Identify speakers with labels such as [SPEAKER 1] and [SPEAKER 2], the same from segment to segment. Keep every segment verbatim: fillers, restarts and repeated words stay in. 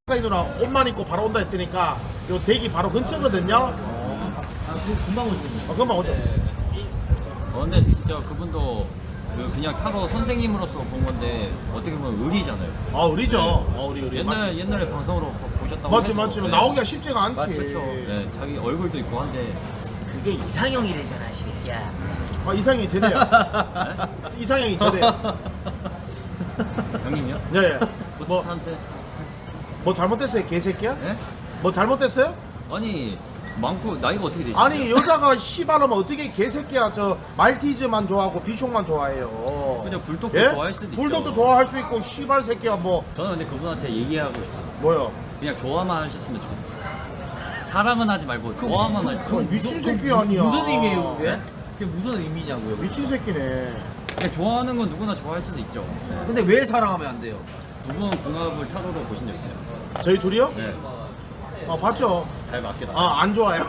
[SPEAKER 1] 누나 옷만 입고 바로 온다 했으니까 요 대기 바로 근처거든요.
[SPEAKER 2] 아, 그 금방 오시는
[SPEAKER 1] 어, 금방 오죠.
[SPEAKER 3] 어, 근데 진짜 그분도 그 그냥 타로 선생님으로서 본 건데 어떻게 보면 의리잖아요.
[SPEAKER 1] 아 의리죠. 어 우리 의리.
[SPEAKER 3] 옛날
[SPEAKER 1] 맞지?
[SPEAKER 3] 옛날에 방송으로 보셨다고
[SPEAKER 1] 맞지
[SPEAKER 3] 해도,
[SPEAKER 1] 맞지.
[SPEAKER 3] 네.
[SPEAKER 1] 나오기가 쉽지가 않지.
[SPEAKER 3] 맞죠. 네, 자기 얼굴도 있고 한데
[SPEAKER 2] 그게 이상형이래잖아, 새끼야.
[SPEAKER 1] 아 이상형이 저래요. 이상형이 저래요.
[SPEAKER 3] 형님이요?
[SPEAKER 1] 예예. 뭐,
[SPEAKER 3] 한테
[SPEAKER 1] 뭐 잘못됐어요 개새끼야?
[SPEAKER 3] 네?
[SPEAKER 1] 뭐 잘못됐어요?
[SPEAKER 3] 아니 많고 나이가 어떻게 되시죠?
[SPEAKER 1] 아니 여자가 씨발하면 어떻게 개새끼야. 저 말티즈만 좋아하고 비숑만 좋아해요.
[SPEAKER 3] 그죠, 불독도
[SPEAKER 1] 예?
[SPEAKER 3] 좋아할 수도 있죠.
[SPEAKER 1] 불독도 좋아할 수 있고 씨발 새끼야 뭐
[SPEAKER 3] 저는 근데 그분한테 얘기하고 싶어요.
[SPEAKER 1] 뭐요?
[SPEAKER 3] 그냥 좋아만 하셨으면 좋겠어요. 사랑은 하지 말고 좋아만 할
[SPEAKER 1] 그건
[SPEAKER 3] 거.
[SPEAKER 1] 미친 새끼 아니야.
[SPEAKER 2] 무슨 의미예요, 그게? 그게 무슨 의미냐고요?
[SPEAKER 1] 미친 새끼네.
[SPEAKER 3] 그냥 좋아하는 건 누구나 좋아할 수도 있죠. 네.
[SPEAKER 2] 근데 왜 사랑하면 안 돼요?
[SPEAKER 3] 두 분 궁합을 타로로 보신 적 있어요?
[SPEAKER 1] 저희 둘이요?
[SPEAKER 3] 네.
[SPEAKER 1] 어 봤죠.
[SPEAKER 3] 잘 맞게 나.
[SPEAKER 1] 아 안 좋아요.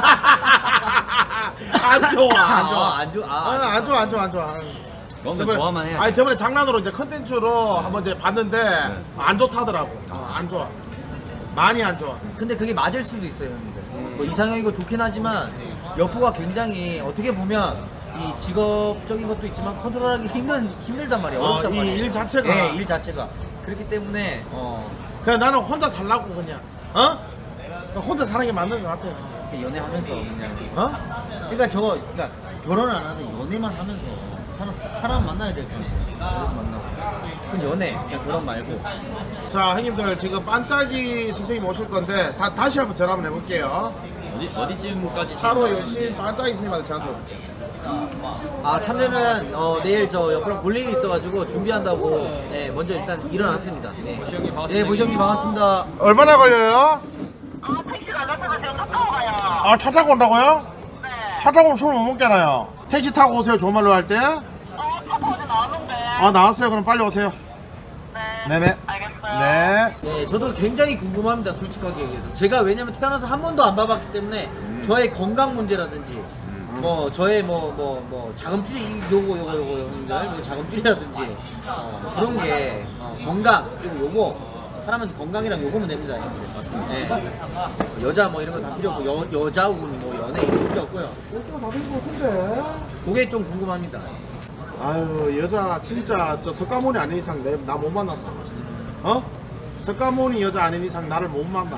[SPEAKER 1] 안 좋아 안 좋아.
[SPEAKER 2] 아, 안 좋아.
[SPEAKER 1] 아,
[SPEAKER 2] 아,
[SPEAKER 1] 안 좋아 안 좋아 안 좋아.
[SPEAKER 3] 그러면 좋아만 해야지.
[SPEAKER 1] 아니 저번에 장난으로 이제 컨텐츠로 한번 이제 봤는데
[SPEAKER 3] 네.
[SPEAKER 1] 안 좋다더라고. 어, 안 좋아. 많이 안 좋아.
[SPEAKER 2] 근데 그게 맞을 수도 있어요, 형님들. 뭐 이상형이고 좋긴 하지만 여포가 굉장히 어떻게 보면 이 직업적인 것도 있지만 컨트롤하기 힘든 힘들단 말이에요.
[SPEAKER 1] 어,
[SPEAKER 2] 어렵단
[SPEAKER 1] 이
[SPEAKER 2] 말이에요.
[SPEAKER 1] 일 자체가.
[SPEAKER 2] 네, 일 자체가. 그렇기 때문에 어,
[SPEAKER 1] 그냥 나는 혼자 살라고 그냥. 어? 그냥 혼자 사는 게 맞는 것 같아.
[SPEAKER 2] 연애하면서 그냥
[SPEAKER 1] 어?
[SPEAKER 2] 그러니까 저 그러니까 결혼을 안 하는데 연애만 하면서 사람 사람 만나야 될 텐데 사람 만나고 그건 연애 그냥 결혼 말고
[SPEAKER 1] 자 형님들 지금 반짝이 선생님 오실 건데 다, 다시 한번 전화 한번 해볼게요.
[SPEAKER 3] 어디 어디쯤까지?
[SPEAKER 1] 하루 열심히 반짝이 선생님한테 전화 해볼게요.
[SPEAKER 2] 아 참새는 어, 내일 저 옆으로 볼 일이 있어가지고 준비한다고 네 먼저 일단 일어났습니다. 네.
[SPEAKER 3] 보시 형님 반갑습니다.
[SPEAKER 2] 네 보시 형님 반갑습니다.
[SPEAKER 1] 얼마나 걸려요?
[SPEAKER 4] 아, 택시 나갔다가 지금 차 타고 가요.
[SPEAKER 1] 아 차 타고 온다고요?
[SPEAKER 4] 네.
[SPEAKER 1] 차 타고 오면 술 못 먹잖아요. 택시 타고 오세요. 좋은 말로 할 때.
[SPEAKER 4] 어, 차 타고 어제 나왔는데.
[SPEAKER 1] 아 나왔어요. 그럼 빨리 오세요.
[SPEAKER 4] 네.
[SPEAKER 1] 네네.
[SPEAKER 4] 알겠어요.
[SPEAKER 1] 네.
[SPEAKER 2] 네 저도 굉장히 궁금합니다 솔직하게 얘기해서 제가 왜냐면 태어나서 한 번도 안 봐봤기 때문에 저의 건강 문제라든지 뭐 저의 뭐 뭐 뭐 자금줄이 요거 요거 요거 형님들 뭐 자금줄이라든지 어, 그런 게 어, 건강 그리고 요거 사람은 건강이랑 요거면 됩니다 형님들. 맞습니다. 네. 여자 뭐 이런 거 다 필요 없고 여, 여자운 뭐 연애 이런 거 필요 없고요
[SPEAKER 1] 다된것 같은데.
[SPEAKER 2] 그게 좀 궁금합니다.
[SPEAKER 1] 아유 여자 진짜 저 석가모니 아닌 이상 나 못 만난다. 어? 석가모니 여자 아닌 이상 나를 못 만나.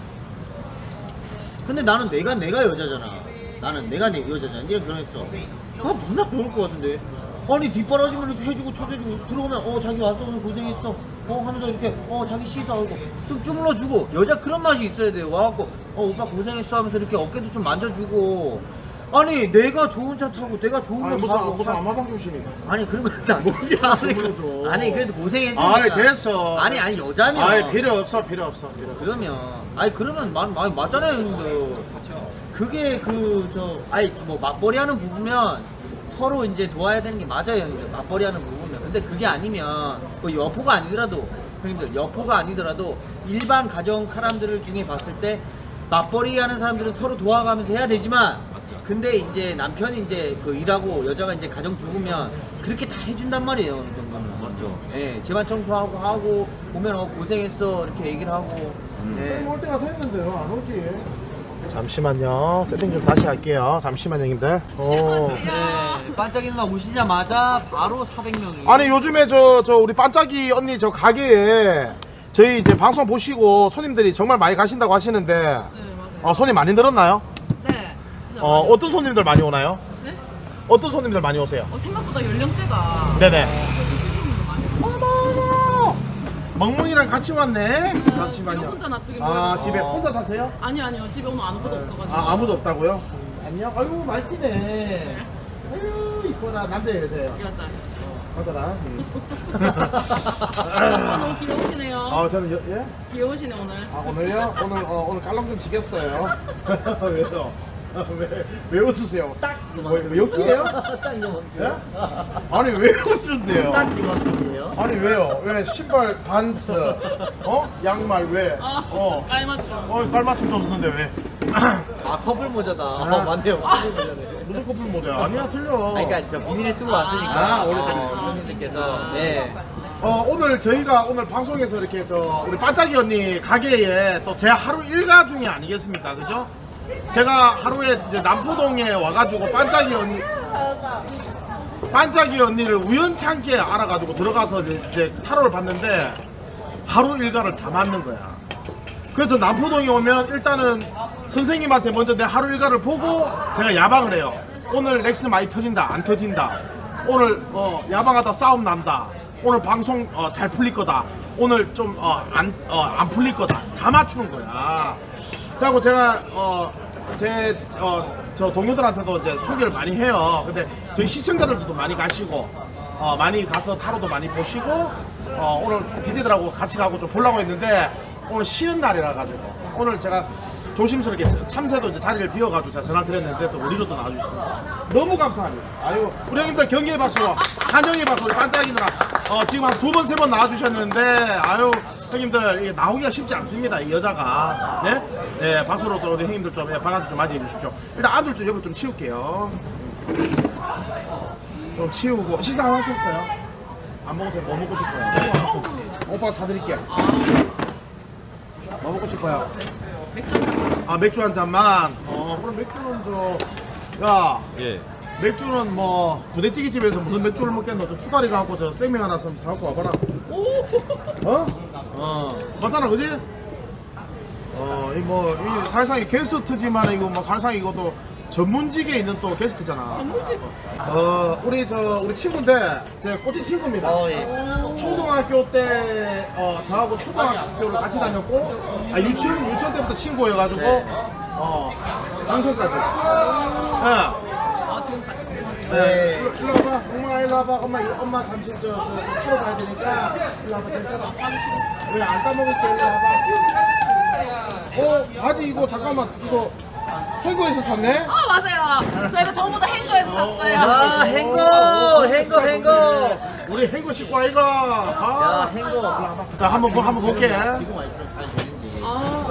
[SPEAKER 2] 근데 나는 내가 내가 여자잖아. 나는 내가 내 여자잖아. 네가 결혼했어. 아 존나 좋을 것 같은데. 아니 뒷바라지만 이렇게 해주고 쳐주고 들어오면 어 자기 왔어 오늘 고생했어 어 하면서 이렇게 어 자기 씻어하고 좀 주물러주고 여자 그런 맛이 있어야 돼요. 와갖고 어 오빠 고생했어 하면서 이렇게 어깨도 좀 만져주고 아니 내가 좋은 차 타고 내가 좋은
[SPEAKER 1] 아니
[SPEAKER 2] 거
[SPEAKER 1] 무슨
[SPEAKER 2] 타고
[SPEAKER 1] 무슨 아마방 중심이야.
[SPEAKER 2] 아니 그런 거 아니
[SPEAKER 1] 뭐 이게 주물러줘.
[SPEAKER 2] 아니 그래도 고생했으니까
[SPEAKER 1] 아이 됐어.
[SPEAKER 2] 아니 아니 여자면
[SPEAKER 1] 아이 필요 없어 필요 없어 필요 없어.
[SPEAKER 2] 그러면 아니 그러면 많이 많이 맞잖아요 형님들. 그게 그 저 아니 뭐 맞벌이 하는 부부면 서로 이제 도와야 되는 게 맞아요 형님들. 맞벌이 하는 부부면 근데 그게 아니면 그 여포가 아니더라도 형님들 여포가 아니더라도 일반 가정 사람들을 중에 봤을 때 맞벌이 하는 사람들은 서로 도와가면서 해야 되지만 근데 이제 남편이 이제 그 일하고 여자가 이제 가정 주부면 그렇게 다 해준단 말이에요 어느 정도는.
[SPEAKER 3] 맞죠.
[SPEAKER 2] 예, 집안 청소하고 하고 보면 어 고생했어 이렇게 얘기를 하고. 예.
[SPEAKER 1] 올 때가 됐는데요 안 오지. 잠시만요. 세팅 좀 다시 할게요. 잠시만요 형님들. 오.
[SPEAKER 2] 네, 반짝이 누나 오시자마자 바로 사백 명이.
[SPEAKER 1] 아니 요즘에 저 저 우리 반짝이 언니 저 가게에 저희 이제 방송 보시고 손님들이 정말 많이 가신다고 하시는데
[SPEAKER 5] 네, 맞아요.
[SPEAKER 1] 어, 손이 많이 늘었나요?
[SPEAKER 5] 네, 진짜
[SPEAKER 1] 어,
[SPEAKER 5] 많이.
[SPEAKER 1] 어떤 손님들 많이 오나요?
[SPEAKER 5] 네?
[SPEAKER 1] 어떤 손님들 많이 오세요?
[SPEAKER 5] 어, 생각보다 연령대가
[SPEAKER 1] 네네.
[SPEAKER 5] 손님도 많이 오고.
[SPEAKER 1] 어머, 멍멍이랑 같이 왔네.
[SPEAKER 5] 집에
[SPEAKER 1] 잠시만요.
[SPEAKER 5] 혼자 놔두기
[SPEAKER 1] 아
[SPEAKER 5] 뭐해요.
[SPEAKER 1] 집에 혼자 사세요?
[SPEAKER 5] 아니요, 아니요. 집에 오늘 아무것도 없어가지고.
[SPEAKER 1] 아 아무도 없다고요? 안녕. 아유 말티네. 아유 이뻐라. 남자예요 여자예요?
[SPEAKER 5] 여자.
[SPEAKER 1] 여자라.
[SPEAKER 5] 아, 너무 귀여우시네요.
[SPEAKER 1] 아 저는 여, 예?
[SPEAKER 5] 귀여우시네 오늘.
[SPEAKER 1] 아 오늘요? 오늘 어, 오늘 깔랑 좀 지겠어요. 왜요? 아, 왜, 왜 웃으세요?
[SPEAKER 2] 딱
[SPEAKER 1] 뭐, 뭐 욕이에요?
[SPEAKER 2] 딱 이거
[SPEAKER 1] 예? 아니 왜 웃는데요?
[SPEAKER 2] 딱 이만큼이에요.
[SPEAKER 1] 아니 왜요? 왜 신발 반스 어? 양말 왜?
[SPEAKER 5] 아,
[SPEAKER 1] 어?
[SPEAKER 5] 깔맞춤.
[SPEAKER 1] 어 깔맞춤 좀 웃는데 왜?
[SPEAKER 2] 아 커플 모자다. 아, 맞네요. 커플 모자네.
[SPEAKER 1] 무슨 커플 모자? 아니야 틀려.
[SPEAKER 2] 아니, 그러니까 저 비닐을 쓰고 왔으니까
[SPEAKER 1] 아, 원래
[SPEAKER 2] 어, 형님들께서 네.
[SPEAKER 1] 어, 오늘 저희가 오늘 방송에서 이렇게 저 우리 반짝이 언니 가게에 또 제 하루 일과 중에 아니겠습니까? 그죠? 제가 하루에 이제 남포동에 와가지고 반짝이 언니 반짝이 언니를 우연찮게 알아가지고 들어가서 이제, 이제 타로를 봤는데 하루 일과를 다 맞는 거야. 그래서 남포동에 오면 일단은 선생님한테 먼저 내 하루 일과를 보고 제가 야방을 해요. 오늘 렉스 많이 터진다, 안 터진다. 오늘 어, 야방하다 싸움 난다. 오늘 방송 어, 잘 풀릴 거다. 오늘 좀 안 어, 안 풀릴 거다. 다 맞추는 거야. 그리고 제가 어, 제 어, 저 동료들한테도 이제 소개를 많이 해요. 근데 저희 시청자들도 많이 가시고 어, 많이 가서 타로도 많이 보시고 어, 오늘 비제들하고 같이 가고 좀 보려고 했는데 오늘 쉬는 날이라 가지고 오늘 제가 조심스럽게 참새도 이제 자리를 비워가지고 제가 전화를 드렸는데 또 우리로 또 나와주셨습니다. 너무 감사합니다. 아유 우리 형님들 경기의 박수로 한영의 박수로 반짝이 누나 어, 지금 한 두 번 세 번 나와주셨는데 아유 형님들 이게 나오기가 쉽지 않습니다. 이 여자가 네, 네 박수로 또 우리 형님들 좀 예, 반갑게 좀 맞이해 주십시오. 일단 아들 좀 옆을 좀 치울게요. 좀 치우고 식사 안 하셨어요? 안 먹으세요? 뭐 먹고 싶어요? 오빠가 사드릴게요. 뭐 먹고 싶어요? 아 맥주 한 잔만. 어 그럼 맥주는 저 야
[SPEAKER 3] 예.
[SPEAKER 1] 맥주는 뭐 부대찌개 집에서 무슨 맥주를 먹겠노? 저 투다리 갖고 저 생맥 하나 좀 사갖고 와봐라. 어? 어 맞잖아 그지? 어 이 뭐 이 살상이 게스트지만 이거 뭐 살상 이것도 전문직에 있는 또 게스트잖아.
[SPEAKER 5] 전문직.
[SPEAKER 1] 어 우리 저 우리 친구인데 제 꼬치 친구입니다.
[SPEAKER 2] 어, 예.
[SPEAKER 1] 초등학교 때 어, 저하고 초등학교를 같이 다녔고 아, 유치원 유치원 때부터 친구여가지고
[SPEAKER 2] 네.
[SPEAKER 1] 어 방송까지. 예.
[SPEAKER 5] 아 지금 다
[SPEAKER 1] 네.
[SPEAKER 2] 네.
[SPEAKER 1] 일로, 일로 와봐. 엄마 일로 와봐. 엄마 이거 엄마 잠시 저저 풀어 봐야 되니까 일로 와봐. 괜찮아. 왜 안 따먹을게 일로 와봐. 어 바지 이거 잠깐만 이거 해고에서 샀네.
[SPEAKER 5] 아 맞아요. 저희가 전부 다 행거에서 샀어요.
[SPEAKER 2] 아, 행거, 행거, 행거.
[SPEAKER 1] 우리 행거 식구 아이가.
[SPEAKER 2] 야,
[SPEAKER 1] 아.
[SPEAKER 2] 행거.
[SPEAKER 1] 자 한번 보- 한번 볼게.
[SPEAKER 2] 지금 와이프랑 잘 되는지.
[SPEAKER 5] 아,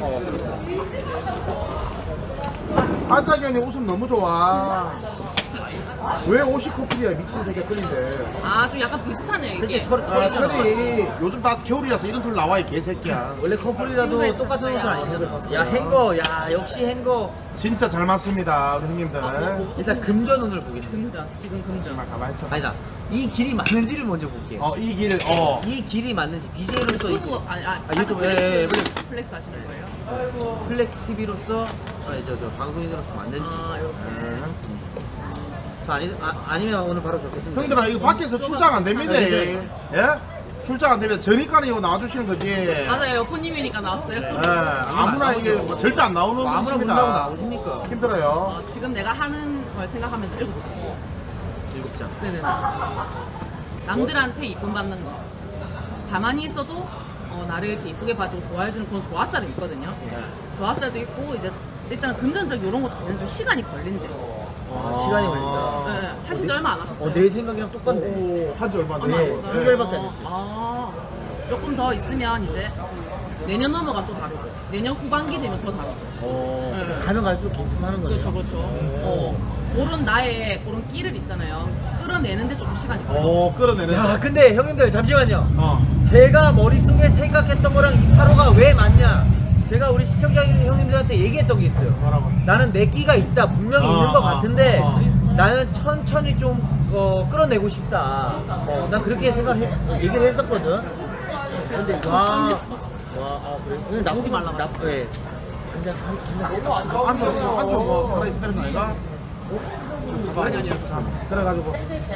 [SPEAKER 1] 반짝이 언니 웃음 너무 좋아. 왜 옷이 커플이야 미친 새끼야 끓인데.
[SPEAKER 5] 아, 좀 약간 비슷하네요
[SPEAKER 2] 근데
[SPEAKER 5] 이게.
[SPEAKER 2] 털,
[SPEAKER 1] 아
[SPEAKER 2] 털이잖아.
[SPEAKER 1] 털이 요즘 다 겨울이라서 이런 털 나와 이 개새끼야.
[SPEAKER 2] 원래 커플이라도
[SPEAKER 5] 행거에서
[SPEAKER 2] 똑같은 옷을
[SPEAKER 5] 샀어요.
[SPEAKER 2] 안 입는 야, 행거. 야, 역시 행거.
[SPEAKER 1] 진짜 잘 맞습니다 우리 형님들.
[SPEAKER 5] 아, 뭐, 뭐.
[SPEAKER 2] 일단 금전운을 보겠습니다.
[SPEAKER 5] 금전, 지금 금전.
[SPEAKER 1] 정말 가만히 있어.
[SPEAKER 2] 아니다. 이 길이 맞는지를 먼저 볼게요.
[SPEAKER 1] 어 이 길 어.
[SPEAKER 2] 이 길이 맞는지 비제이로서
[SPEAKER 5] 유튜브 아니 아,
[SPEAKER 2] 아, 유튜브,
[SPEAKER 5] 플렉스,
[SPEAKER 2] 예, 예,
[SPEAKER 5] 플렉스, 플렉스 하시는 거예요?
[SPEAKER 2] 플렉스 티비로서 아, 저, 저 방송인으로서 맞는지.
[SPEAKER 5] 아, 이렇게.
[SPEAKER 2] 음. 저 아니, 아, 아니면 오늘 바로 적겠습니다.
[SPEAKER 1] 형들아 이거 밖에서 출장 안 됩니다.
[SPEAKER 2] 네,
[SPEAKER 1] 예?
[SPEAKER 2] 네.
[SPEAKER 1] 예? 출장 안 됩니다. 저니까 이거 나와주시는 거지.
[SPEAKER 5] 맞아요. 여포님이니까 나왔어요.
[SPEAKER 1] 예, 아무나 이게 뭐 절대 안 나오는
[SPEAKER 2] 뭐 아무나
[SPEAKER 1] 분이십니다.
[SPEAKER 2] 본다고 나오십니까?
[SPEAKER 1] 힘들어요.
[SPEAKER 5] 어, 지금 내가 하는 걸 생각하면서 일곱 장.
[SPEAKER 2] 일곱 장.
[SPEAKER 5] 네네네. 남들한테 이쁨 받는 거. 가만히 있어도 어, 나를 이렇게 이쁘게 봐주고 좋아해주는 그런 도화살이 있거든요. 도화살도 있고 이제 일단 금전적 이런 것도 되는 좀 시간이 걸린대요.
[SPEAKER 2] 아, 시간이 걸린다.
[SPEAKER 5] 네, 네. 하신 지 얼마 안 하셨어요?
[SPEAKER 2] 어, 내 생각이랑 똑같네.
[SPEAKER 1] 오, 한지 얼마 안
[SPEAKER 5] 얼마 안
[SPEAKER 2] 네,
[SPEAKER 1] 됐어요.
[SPEAKER 5] 됐어요?
[SPEAKER 2] 삼 개월밖에 안
[SPEAKER 5] 어,
[SPEAKER 2] 됐어요.
[SPEAKER 5] 아, 조금 더 있으면 이제 내년 넘어가 또 다르고 내년 후반기 되면 더 다르고.
[SPEAKER 2] 어,
[SPEAKER 5] 네.
[SPEAKER 2] 가면 갈수록 괜찮다는 거네요.
[SPEAKER 5] 그렇죠, 그렇죠. 어, 그런 나의 그런 끼를 있잖아요. 끌어내는데 조금 시간이 걸려.
[SPEAKER 1] 오 끌어내는.
[SPEAKER 2] 야, 근데 형님들 잠시만요.
[SPEAKER 1] 어.
[SPEAKER 2] 제가 머릿속에 생각했던 거랑 이 타로가 왜 맞냐? 제가 우리 시청자 형님들한테 얘기했던 게 있어요.
[SPEAKER 1] 뭐라고?
[SPEAKER 2] 나는 내 끼가 있다. 분명히
[SPEAKER 1] 어,
[SPEAKER 2] 있는 것
[SPEAKER 1] 어,
[SPEAKER 2] 같은데
[SPEAKER 1] 어.
[SPEAKER 2] 나는 천천히 좀 어, 끌어내고 싶다. 어, 난 그렇게 생각을 해, 얘기를 했었거든. 근데 와, 와, 아, 그래? 근데 나
[SPEAKER 5] 목이 말라가지고.
[SPEAKER 2] 나, 예. 한잔 한잔
[SPEAKER 1] 안주 안주 뭐 하나 있으면 되는 아이가?
[SPEAKER 5] 아니, 아니요.
[SPEAKER 1] 그래가지고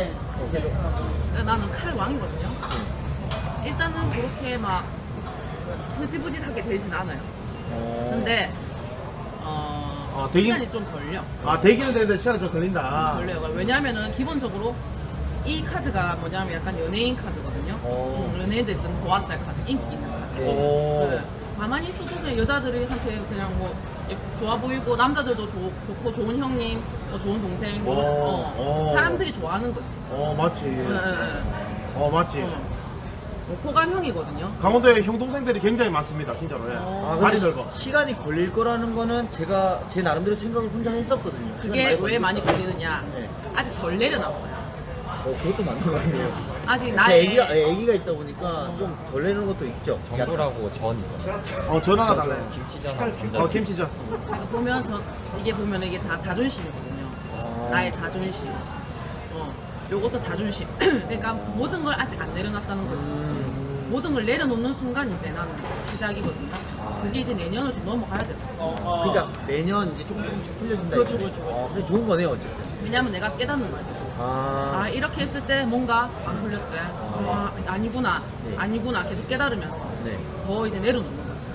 [SPEAKER 5] 나는 칼 왕이거든요. 일단은 그렇게 막 흐지부지하게 되진 않아요. 근데 어,
[SPEAKER 1] 어, 되긴-
[SPEAKER 5] 시간이 좀 걸려.
[SPEAKER 1] 아 대기는 되는데 시간이 좀 걸린다.
[SPEAKER 5] 걸려요. 왜냐하면은 기본적으로 이 카드가 뭐냐면 약간 연예인 카드거든요.
[SPEAKER 2] 오.
[SPEAKER 5] 음, 연예인들 있던 보아살 카드, 인기 있는 카드.
[SPEAKER 1] 오.
[SPEAKER 5] 네. 가만히 있어도 그냥 여자들한테 그냥 뭐 예, 좋아 보이고 남자들도 좋, 좋고 좋은 형님, 뭐 좋은 동생, 뭐,
[SPEAKER 1] 오.
[SPEAKER 5] 어,
[SPEAKER 1] 오.
[SPEAKER 5] 사람들이 좋아하는 거지.
[SPEAKER 1] 어 맞지.
[SPEAKER 5] 네, 네, 네.
[SPEAKER 1] 어 맞지.
[SPEAKER 5] 어. 뭐 호감형이거든요.
[SPEAKER 1] 강원도에 형 동생들이 굉장히 많습니다. 진짜로. 예.
[SPEAKER 5] 어.
[SPEAKER 1] 많이
[SPEAKER 2] 근데
[SPEAKER 1] 넓어.
[SPEAKER 2] 시- 시간이 걸릴 거라는 거는 제가 제 나름대로 생각을 혼자 했었거든요. 시간이
[SPEAKER 5] 그게
[SPEAKER 2] 많이
[SPEAKER 5] 왜
[SPEAKER 2] 걸릴
[SPEAKER 5] 많이
[SPEAKER 2] 거다.
[SPEAKER 5] 걸리느냐?
[SPEAKER 2] 네.
[SPEAKER 5] 아직 덜 내려놨어요.
[SPEAKER 2] 어, 그것도 맞는 거 같네요.
[SPEAKER 5] 아직
[SPEAKER 2] 제
[SPEAKER 5] 나의
[SPEAKER 2] 애기가, 애기가 있다 보니까 좀 덜 내는 것도 있죠.
[SPEAKER 3] 정도라고 전
[SPEAKER 1] 어, 전 하나 달라요.
[SPEAKER 3] 김치전하고 감자.
[SPEAKER 1] 어, 김치전.
[SPEAKER 5] 그러니까 보면 저 이게 보면 이게 다 자존심이거든요.
[SPEAKER 2] 아.
[SPEAKER 5] 나의 자존심. 어, 요것도 자존심. 그러니까 모든 걸 아직 안 내려놨다는 거지.
[SPEAKER 2] 음.
[SPEAKER 5] 모든 걸 내려놓는 순간 이제 나는 시작이거든요. 그게 이제 내년을 좀 넘어가야 돼.
[SPEAKER 2] 그러니까 매년 이제 조금 조금씩 틀려진다.
[SPEAKER 5] 그렇죠,
[SPEAKER 2] 이거지.
[SPEAKER 5] 그렇죠, 그렇죠.
[SPEAKER 2] 어, 근데 좋은 거네요, 어쨌든.
[SPEAKER 5] 왜냐면 내가 깨닫는 거야 계속.
[SPEAKER 2] 아,
[SPEAKER 5] 아 이렇게 했을 때 뭔가 안 풀렸지. 아, 아니구나,
[SPEAKER 2] 네.
[SPEAKER 5] 아니구나 계속 깨달으면서
[SPEAKER 2] 네.
[SPEAKER 5] 더 이제 내려놓는 거지.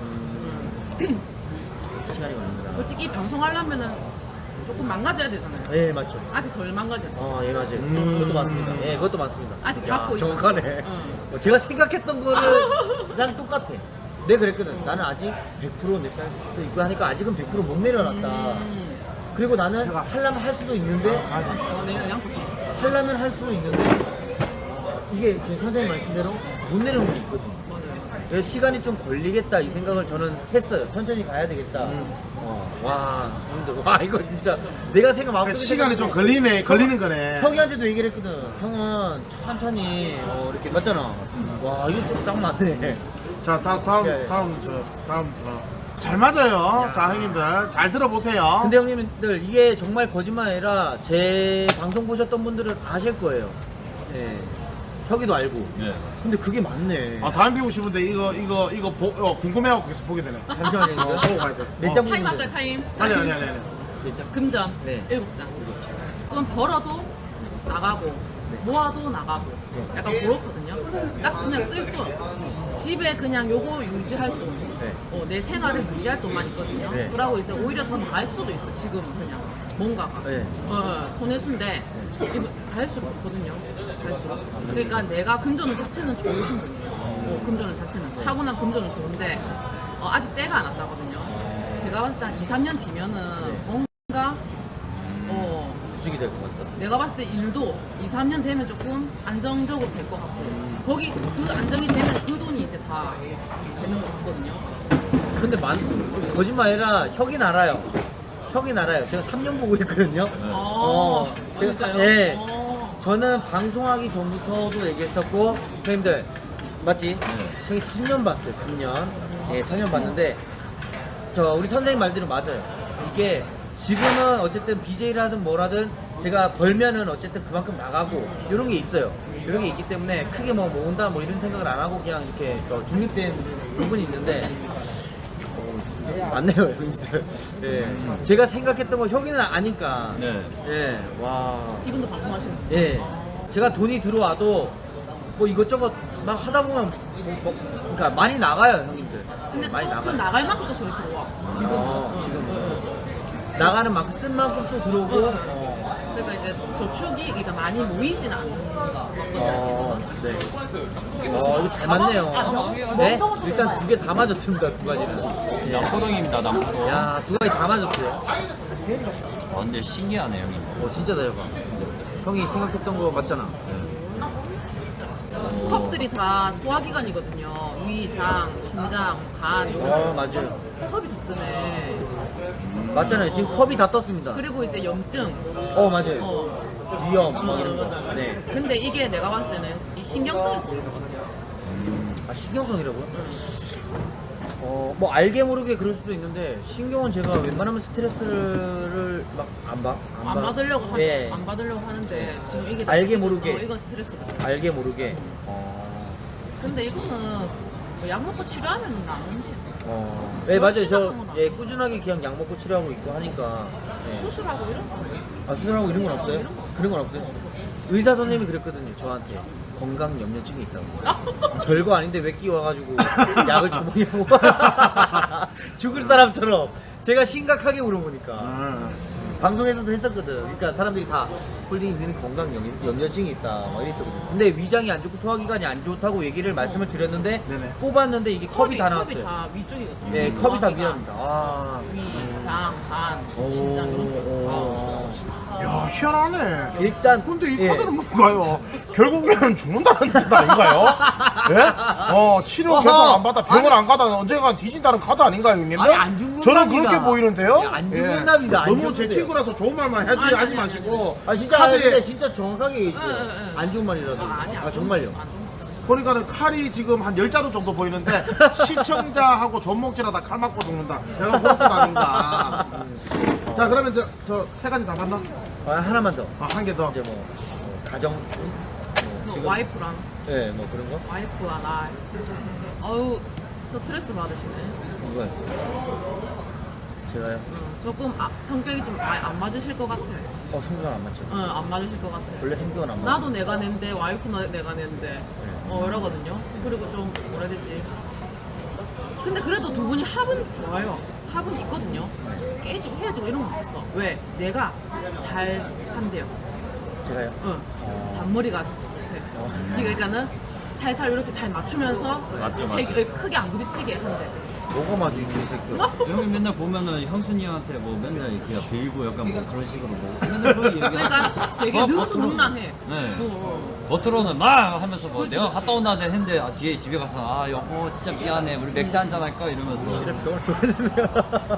[SPEAKER 2] 음, 시간이 걸립니다.
[SPEAKER 5] 솔직히 방송하려면은 조금 망가져야 되잖아요.
[SPEAKER 2] 예, 맞죠.
[SPEAKER 5] 아직 덜 망가졌어.
[SPEAKER 2] 어, 예, 맞아요.
[SPEAKER 1] 음.
[SPEAKER 2] 그것도 맞습니다. 예, 그것도 맞습니다.
[SPEAKER 5] 아직
[SPEAKER 2] 야,
[SPEAKER 5] 잡고 있어.
[SPEAKER 2] 정확하네.
[SPEAKER 5] 응.
[SPEAKER 2] 어, 제가 생각했던 거랑 똑같아. 내가 그랬거든. 나는 아직 백 퍼센트 내 딸도 있고 하니까 아직은 백 퍼센트 못 내려놨다.
[SPEAKER 5] 음.
[SPEAKER 2] 그리고 나는 하려면 할 수도 있는데,
[SPEAKER 5] 어, 내가 양보 써.
[SPEAKER 2] 하려면 할 수도 있는데, 이게 지금 선생님 말씀대로 못 내려놓는 게 있거든.
[SPEAKER 5] 맞아요.
[SPEAKER 2] 그래서 시간이 좀 걸리겠다 이 생각을 저는 했어요. 천천히 가야 되겠다.
[SPEAKER 1] 음.
[SPEAKER 2] 어, 와, 형들, 와, 이거 진짜 내가 생각 마음속에
[SPEAKER 1] 그러니까 시간이 좀
[SPEAKER 2] 생각했는데
[SPEAKER 1] 걸리네, 걸리는 거네.
[SPEAKER 2] 형이한테도 얘기를 했거든. 형은 천천히 어, 이렇게 맞잖아. 와, 이거 딱 맞네.
[SPEAKER 1] 자, 다, 다음,
[SPEAKER 2] 예, 예.
[SPEAKER 1] 다음, 저, 다음, 어. 잘 맞아요. 자, 형님들. 잘 들어보세요.
[SPEAKER 2] 근데 형님들 이게 정말 거짓말 아니라 제 방송 보셨던 분들은 아실 거예요. 예. 혁이도 알고.
[SPEAKER 3] 네.
[SPEAKER 2] 근데 그게 맞네.
[SPEAKER 1] 아, 다음 배우고 싶은데, 이거, 이거, 이거, 보, 어, 궁금해갖고 계속 보게 되네.
[SPEAKER 2] 잠시만요.
[SPEAKER 1] 어, 보고 가야 돼.
[SPEAKER 2] 몇
[SPEAKER 1] 어.
[SPEAKER 2] 장
[SPEAKER 5] 타임
[SPEAKER 2] 보는데?
[SPEAKER 5] 할까요 타임?
[SPEAKER 1] 아니, 아니, 아니, 아니.
[SPEAKER 2] 몇 장?
[SPEAKER 5] 금전
[SPEAKER 2] 네.
[SPEAKER 5] 일곱 장. 그럼 벌어도 나가고 모아도 나가고
[SPEAKER 2] 네.
[SPEAKER 5] 약간 그렇거든요. 딱 그냥 쓸 돈. 집에 그냥 요거 유지할 돈.
[SPEAKER 2] 네.
[SPEAKER 5] 어, 내 생활을 유지할 돈만 있거든요.
[SPEAKER 2] 네.
[SPEAKER 5] 그러고 이제 오히려 더 나을 수도 있어. 지금은 그냥 뭔가가
[SPEAKER 2] 네.
[SPEAKER 5] 어, 손해수인데 이거 갈수록 좋거든요. 갈수록. 그러니까 내가 금전운 자체는 좋으신 분이에요. 어, 금전운 자체는 타고난 금전은 좋은데 어, 아직 때가 안 왔다거든요. 제가 봤을 때 한 이, 삼 년 뒤면은
[SPEAKER 2] 네.
[SPEAKER 5] 뭔가 어,
[SPEAKER 2] 부직이 될 것 같다.
[SPEAKER 5] 내가 봤을 때 일도 이, 삼 년 되면 조금 안정적으로 될 것 같고 거기 그 안정이 되면 그 돈이 이제 다 되는 것 같거든요.
[SPEAKER 2] 근데 만, 거짓말 아니라 혁이 알아요. 혁이 알아요. 제가 삼 년 보고 있거든요.
[SPEAKER 5] 어,
[SPEAKER 2] 제가
[SPEAKER 5] 진짜요?
[SPEAKER 2] 사- 예.
[SPEAKER 5] 어.
[SPEAKER 2] 저는 방송하기 전부터도 얘기했었고, 형님들, 맞지?
[SPEAKER 3] 네.
[SPEAKER 2] 형이 삼 년 봤어요, 삼 년. 예, 삼 년 봤는데, 저, 우리 선생님 말대로 맞아요. 이게, 지금은 어쨌든 비제이를 하든 뭐라든, 제가 벌면은 어쨌든 그만큼 나가고, 이런 게 있어요. 이런 게 있기 때문에, 크게 뭐 모은다, 뭐 이런 생각을 안 하고, 그냥 이렇게 어, 중립된 부분이 있는데, 어, 맞네요, 형님들. 예. 제가 생각했던 거 혁이는 아니까.
[SPEAKER 3] 네.
[SPEAKER 2] 예, 와.
[SPEAKER 5] 이분도 방송하시는 거.
[SPEAKER 2] 예. 제가 돈이 들어와도 뭐 이것저것 막 하다 보면 뭐, 뭐 그러니까 많이 나가요, 형님들.
[SPEAKER 5] 근데
[SPEAKER 2] 많이
[SPEAKER 5] 또 그
[SPEAKER 2] 나가요.
[SPEAKER 5] 나갈 만큼 또 돈이 들어와. 지금.
[SPEAKER 2] 어, 지금. 나가는 만큼 쓴 만큼 또 들어오고. 어.
[SPEAKER 5] 그러니까 이제 저축이 그러니까 많이 모이진 않는 거거든요.
[SPEAKER 2] 어,
[SPEAKER 5] 지금은.
[SPEAKER 2] 네. 어, 이거 잘 맞네요. 네? 일단 두 개 다 맞았습니다, 두 가지는.
[SPEAKER 3] 남포동입니다, 남포동.
[SPEAKER 2] 야, 두 가지 다 맞았어요.
[SPEAKER 3] 아, 근데 신기하네, 형님.
[SPEAKER 2] 어, 진짜다, 형아. 형이 생각했던 거 맞잖아.
[SPEAKER 5] 컵들이 다 소화기관이거든요. 위, 장, 신장, 간 이런
[SPEAKER 2] 어, 맞아요.
[SPEAKER 5] 컵이 다 뜨네.
[SPEAKER 2] 맞잖아요. 지금 컵이 다 떴습니다.
[SPEAKER 5] 그리고 이제 염증,
[SPEAKER 2] 어, 맞아요.
[SPEAKER 5] 어,
[SPEAKER 2] 위험,
[SPEAKER 5] 어,
[SPEAKER 2] 뭐 이런 거.
[SPEAKER 5] 맞아.
[SPEAKER 2] 네.
[SPEAKER 5] 근데 이게 내가 봤을 때는 이 신경성에서 오는 것 같아요.
[SPEAKER 2] 아, 신경성이라고요? 어, 뭐 알게 모르게 그럴 수도 있는데 신경은 제가 웬만하면 스트레스를 막 안 받,
[SPEAKER 5] 안
[SPEAKER 2] 받-
[SPEAKER 5] 받으려고 하,
[SPEAKER 2] 예.
[SPEAKER 5] 안 받으려고 하는데 지금 이게 다
[SPEAKER 2] 알게
[SPEAKER 5] 스트레스-
[SPEAKER 2] 모르게.
[SPEAKER 5] 어, 이건 스트레스거든.
[SPEAKER 2] 알게 모르게. 어.
[SPEAKER 5] 근데 이거는 뭐약 먹고 치료하면 나는데
[SPEAKER 2] 어. 예, 맞아요. 저
[SPEAKER 5] 심각한 건
[SPEAKER 2] 예, 꾸준하게 그냥 약 먹고 치료하고 있고 하니까. 예.
[SPEAKER 5] 수술하고 이런 거.
[SPEAKER 2] 아, 수술하고 이런 건 없어요?
[SPEAKER 5] 이런 거.
[SPEAKER 2] 그런 건 없어요? 의사 선생님이 그랬거든요. 저한테 건강 염려증이 있다고. 별거 아닌데 왜 끼워가지고 약을 줘보냐고. 죽을 사람처럼 제가 심각하게 물어보니까.
[SPEAKER 1] 아,
[SPEAKER 2] 방송에서도 했었거든. 그러니까 사람들이 다 홀리는 건강 염- 염려증이 있다 막 이랬었거든. 근데 위장이 안 좋고 소화기관이 안 좋다고 얘기를 말씀을 드렸는데
[SPEAKER 1] 네네.
[SPEAKER 2] 뽑았는데 이게 컵이, 다 나왔어요.
[SPEAKER 5] 컵이 다 위쪽이거든요.
[SPEAKER 2] 네, 컵이 다
[SPEAKER 5] 소화기관,
[SPEAKER 2] 미랍니다. 아.
[SPEAKER 5] 위, 장, 간,
[SPEAKER 2] 오,
[SPEAKER 5] 신장 이런 거.
[SPEAKER 2] 오.
[SPEAKER 5] 다.
[SPEAKER 1] 야 희한하네.
[SPEAKER 2] 일단
[SPEAKER 1] 근데 이
[SPEAKER 2] 예.
[SPEAKER 1] 카드는 뭔가요? 결국에는 죽는다는 뜻 아닌가요? 예? 어 치료
[SPEAKER 2] 어허.
[SPEAKER 1] 계속 안 받아 병원
[SPEAKER 2] 아니.
[SPEAKER 1] 안 가다 언젠간 뒤진다는 카드 아닌가요 형님?
[SPEAKER 2] 아니, 안 죽는답니다.
[SPEAKER 1] 저는 그렇게 보이는데요?
[SPEAKER 2] 야, 안 죽는답니다. 안
[SPEAKER 1] 너무
[SPEAKER 2] 죽는데요.
[SPEAKER 1] 제 친구라서 좋은 말만 하지
[SPEAKER 5] 아니,
[SPEAKER 1] 하지
[SPEAKER 5] 아니,
[SPEAKER 1] 마시고
[SPEAKER 2] 아 진짜
[SPEAKER 1] 카드에
[SPEAKER 2] 근데 진짜 정확하게 얘기해요.
[SPEAKER 5] 응, 응, 응.
[SPEAKER 2] 안 좋은 말이라도.
[SPEAKER 5] 아, 아니,
[SPEAKER 2] 아 정말요.
[SPEAKER 5] 안 좋은 거 없어.
[SPEAKER 1] 보니까는 칼이 지금 한 열 자루 정도 보이는데 시청자하고 존목질하다 칼 맞고 죽는다. 내가 그런 뜻 아닌가. 음. 자 그러면 저 저 세 가지 다 봤나?
[SPEAKER 2] 아, 하나만 더.
[SPEAKER 1] 아, 한 개 더.
[SPEAKER 2] 이제 뭐, 뭐 가정 뭐,
[SPEAKER 5] 뭐 와이프랑
[SPEAKER 2] 예, 뭐 그런 거?
[SPEAKER 5] 와이프와 나 어우 스트레스 받으시네.
[SPEAKER 2] 이거요. 제가요?
[SPEAKER 5] 응, 조금 아, 성격이 좀 안 맞으실 것 같아.
[SPEAKER 2] 어 성격은 안 맞죠.
[SPEAKER 5] 응, 안 맞으실 것 같아.
[SPEAKER 2] 원래 성격은 안 맞죠.
[SPEAKER 5] 나도 내가 낸데 와이프는 내가 낸데 어 이러거든요. 그리고 좀 뭐라 해야 되지? 근데 그래도 두 분이 합은 좋아요. 합은 있거든요. 깨지고 헤어지고 이런 건 없어. 왜? 내가 잘 한대요.
[SPEAKER 2] 제가요?
[SPEAKER 5] 응.
[SPEAKER 2] 어.
[SPEAKER 5] 잔머리가 좋대.
[SPEAKER 2] 어.
[SPEAKER 5] 그러니까는 살살 이렇게 잘 맞추면서
[SPEAKER 3] 맞죠, 맞죠.
[SPEAKER 5] 되게 크게 안 부딪히게 한대.
[SPEAKER 2] 뭐가 맞아 이 새끼.
[SPEAKER 3] 형이 맨날 보면은 형수님한테 뭐 맨날 이렇게 빌고 약간 뭐 그런 식으로 뭐 맨날 그런 얘기.
[SPEAKER 5] 그러니까 되게
[SPEAKER 3] 어,
[SPEAKER 5] 능수능란해.
[SPEAKER 3] 네.
[SPEAKER 5] 어, 어.
[SPEAKER 3] 겉으로는 막 하면서 뭐
[SPEAKER 5] 그치,
[SPEAKER 3] 내가
[SPEAKER 5] 그치.
[SPEAKER 3] 갔다 온다 했는데 아, 뒤에 집에 가서 아 여보 진짜 미안해 우리 맥주 한잔 할까 이러면서
[SPEAKER 2] 실에 병을 줘야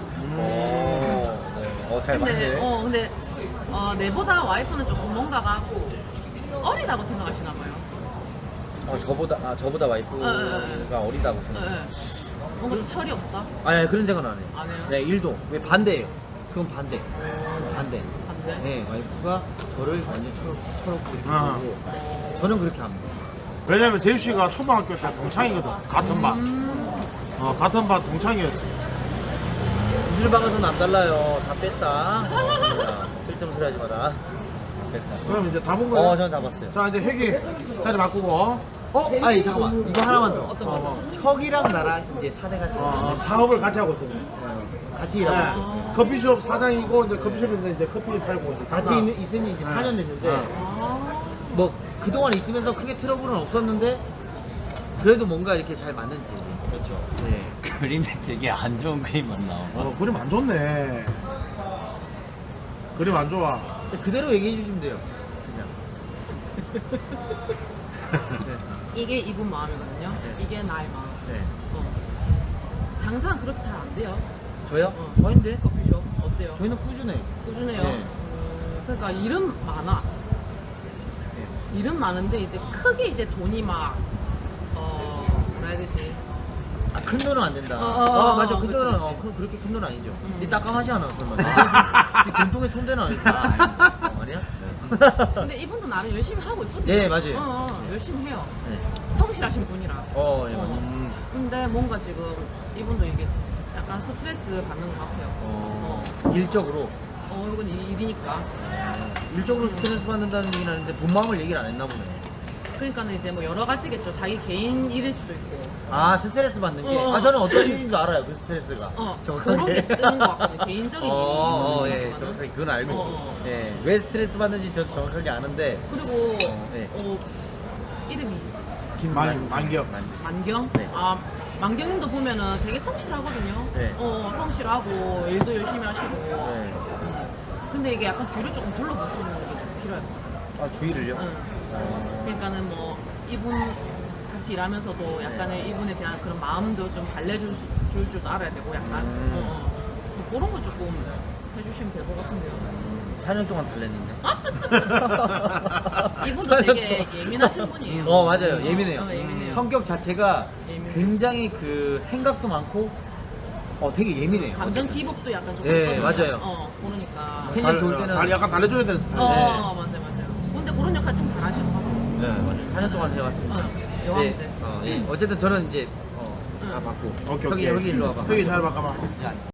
[SPEAKER 2] 어잘
[SPEAKER 5] 근데
[SPEAKER 2] 맞네.
[SPEAKER 5] 어 근데 어 내보다 와이프는 조금 뭔가가 어리다고 생각하시나 봐요.
[SPEAKER 2] 어 저보다 아 저보다 와이프가
[SPEAKER 5] 어, 어, 어.
[SPEAKER 2] 어리다고
[SPEAKER 5] 예,
[SPEAKER 2] 생각.
[SPEAKER 5] 예. 뭔가 좀 철이 없다.
[SPEAKER 2] 아니 그런 생각은 안 해요.
[SPEAKER 5] 안 해요?
[SPEAKER 2] 네 일도 왜 반대예요. 그건 반대. 그건 반대.
[SPEAKER 5] 반대.
[SPEAKER 2] 네 와이프가 저를 완전 철 철없고 이렇게
[SPEAKER 1] 아.
[SPEAKER 2] 보고 저는 그렇게 합니다.
[SPEAKER 1] 왜냐면 제유 씨가 초등학교 때 동창이거든. 같은 반.
[SPEAKER 5] 음,
[SPEAKER 1] 어 같은 반 동창이었어.
[SPEAKER 2] 구슬 박아서는 안 달라요. 다 뺐다. 어, 쓸데없는 소리 하지 마라. 뺐다.
[SPEAKER 1] 그럼 이제 다 본 거예요?
[SPEAKER 2] 어, 저는 다 봤어요.
[SPEAKER 1] 자 이제 회기 자리 바꾸고.
[SPEAKER 2] 어? 아니 잠깐만. 이거 하나만 더.
[SPEAKER 5] 어떤 거?
[SPEAKER 1] 어,
[SPEAKER 2] 혁이랑 나랑 이제 사대가 지금
[SPEAKER 1] 어, 사업을 같이 하고 있거든요.
[SPEAKER 2] 같이 일하고
[SPEAKER 1] 네.
[SPEAKER 2] 있어요.
[SPEAKER 1] 커피숍 사장이고 이제 커피숍에서 이제 커피 팔고 이제
[SPEAKER 2] 같이
[SPEAKER 1] 장사.
[SPEAKER 2] 있는, 있으니 이제
[SPEAKER 1] 네.
[SPEAKER 2] 사 년 됐는데
[SPEAKER 1] 네.
[SPEAKER 5] 아,
[SPEAKER 2] 뭐 그동안 있으면서 크게 트러블은 없었는데 그래도 뭔가 이렇게 잘 맞는지.
[SPEAKER 3] 그렇죠.
[SPEAKER 2] 네.
[SPEAKER 3] 그림이 되게 안 좋은 그림만 나오고
[SPEAKER 1] 어 그림 안 좋네. 그림 안 좋아.
[SPEAKER 2] 그대로 얘기해 주시면 돼요. 그냥.
[SPEAKER 5] 이게 이분 마음이거든요.
[SPEAKER 2] 네.
[SPEAKER 5] 이게 나의 마음.
[SPEAKER 2] 네.
[SPEAKER 5] 어. 장사는 그렇게 잘 안 돼요.
[SPEAKER 2] 저요?
[SPEAKER 5] 어.
[SPEAKER 2] 아닌데?
[SPEAKER 5] 커피숍 어때요?
[SPEAKER 2] 저희는 꾸준해요.
[SPEAKER 5] 꾸준해요.
[SPEAKER 2] 네.
[SPEAKER 5] 음, 그러니까 일은 많아.
[SPEAKER 2] 네.
[SPEAKER 5] 일은 많은데 이제 크게 이제 돈이 막 어, 뭐라 해야 되지?
[SPEAKER 2] 아, 큰 돈은 안 된다.
[SPEAKER 5] 어, 어,
[SPEAKER 2] 아,
[SPEAKER 5] 어,
[SPEAKER 2] 맞아.
[SPEAKER 5] 어,
[SPEAKER 2] 큰
[SPEAKER 5] 그치,
[SPEAKER 2] 돈은
[SPEAKER 5] 그치.
[SPEAKER 2] 어, 그, 그렇게 큰 돈은 아니죠.
[SPEAKER 5] 음.
[SPEAKER 2] 이 딱감하지 않아, 설마. 이 돈통에 손대는 아니까. 아, 어, 아니야?
[SPEAKER 5] 근데 이분도 나름 열심히 하고 있거든요.
[SPEAKER 2] 네, 맞아요.
[SPEAKER 5] 어, 어, 열심히 해요.
[SPEAKER 2] 네.
[SPEAKER 5] 성실하신 분이라.
[SPEAKER 2] 어, 예, 맞죠.
[SPEAKER 1] 음.
[SPEAKER 5] 근데 뭔가 지금 이분도 이게 약간 스트레스 받는 것 같아요.
[SPEAKER 2] 어,
[SPEAKER 5] 어,
[SPEAKER 2] 일적으로.
[SPEAKER 5] 어 이건 일이니까.
[SPEAKER 2] 일적으로 스트레스 받는다는 얘기는 하는데 본 마음을 얘기를 안 했나 보네.
[SPEAKER 5] 그러니까는 이제 뭐 여러 가지겠죠. 자기 개인 일일 수도 있고.
[SPEAKER 2] 아, 스트레스 받는 게.
[SPEAKER 5] 어.
[SPEAKER 2] 아, 저는 어떤 일인지 알아요, 그 스트레스가.
[SPEAKER 5] 어,
[SPEAKER 2] 정확하게.
[SPEAKER 5] 그런 게 뜨는 것 같거든요. 개인적인
[SPEAKER 2] 어, 어,
[SPEAKER 5] 일이.
[SPEAKER 2] 예,
[SPEAKER 5] 있는
[SPEAKER 2] 정확하게
[SPEAKER 5] 거는.
[SPEAKER 2] 그건 알고 있어요.
[SPEAKER 5] 어, 어.
[SPEAKER 2] 예, 왜 스트레스 받는지 저 정확하게 아는데.
[SPEAKER 5] 그리고
[SPEAKER 2] 어, 네.
[SPEAKER 5] 어, 이름이
[SPEAKER 1] 만- 만경.
[SPEAKER 5] 만경?
[SPEAKER 2] 네.
[SPEAKER 5] 아 만경님도 보면은 되게 성실하거든요.
[SPEAKER 2] 네.
[SPEAKER 5] 어 성실하고 일도 열심히 하시고.
[SPEAKER 2] 네.
[SPEAKER 5] 음. 근데 이게 약간 주위를 조금 둘러보시는 게 좀 필요해요.
[SPEAKER 2] 아, 주의를요?
[SPEAKER 5] 응.
[SPEAKER 2] 어.
[SPEAKER 5] 그러니까는 뭐 이분 같이 일하면서도 약간의 이분에 대한 그런 마음도 좀 달래줄 수- 줄 줄도 알아야 되고 약간
[SPEAKER 2] 음.
[SPEAKER 5] 어, 어. 그런 거 조금 해주시면 될 것 같은데요.
[SPEAKER 2] 사 년 동안 달랬는데.
[SPEAKER 5] 이분도 되게 예민하신 분이에요.
[SPEAKER 2] 어, 맞아요. 예민해요.
[SPEAKER 5] 어, 예민해요.
[SPEAKER 2] 성격 자체가
[SPEAKER 5] 예민해요.
[SPEAKER 2] 굉장히 그 생각도 많고, 어, 되게 예민해요.
[SPEAKER 5] 감정
[SPEAKER 2] 어쨌든.
[SPEAKER 5] 기복도 약간 좀
[SPEAKER 2] 네,
[SPEAKER 5] 있거든요.
[SPEAKER 2] 맞아요.
[SPEAKER 5] 어, 그러니까.
[SPEAKER 2] 텐션 좋을 때는.
[SPEAKER 1] 달, 약간 달래줘야 되는 스타일.
[SPEAKER 5] 어,
[SPEAKER 2] 네.
[SPEAKER 5] 어, 맞아요, 맞아요. 근데 그런 역할 참 잘하시는 것 같아요.
[SPEAKER 2] 네, 맞아요. 사 년 동안 해왔습니다.
[SPEAKER 5] 어, 여왕제.
[SPEAKER 2] 네, 어, 예. 어쨌든 저는 이제, 어, 다
[SPEAKER 5] 응.
[SPEAKER 2] 받고.
[SPEAKER 1] 오케이
[SPEAKER 2] 여기,
[SPEAKER 1] 오케이.
[SPEAKER 2] 여기 일로 와봐.
[SPEAKER 1] 회기 잘 바꿔봐.
[SPEAKER 2] 야,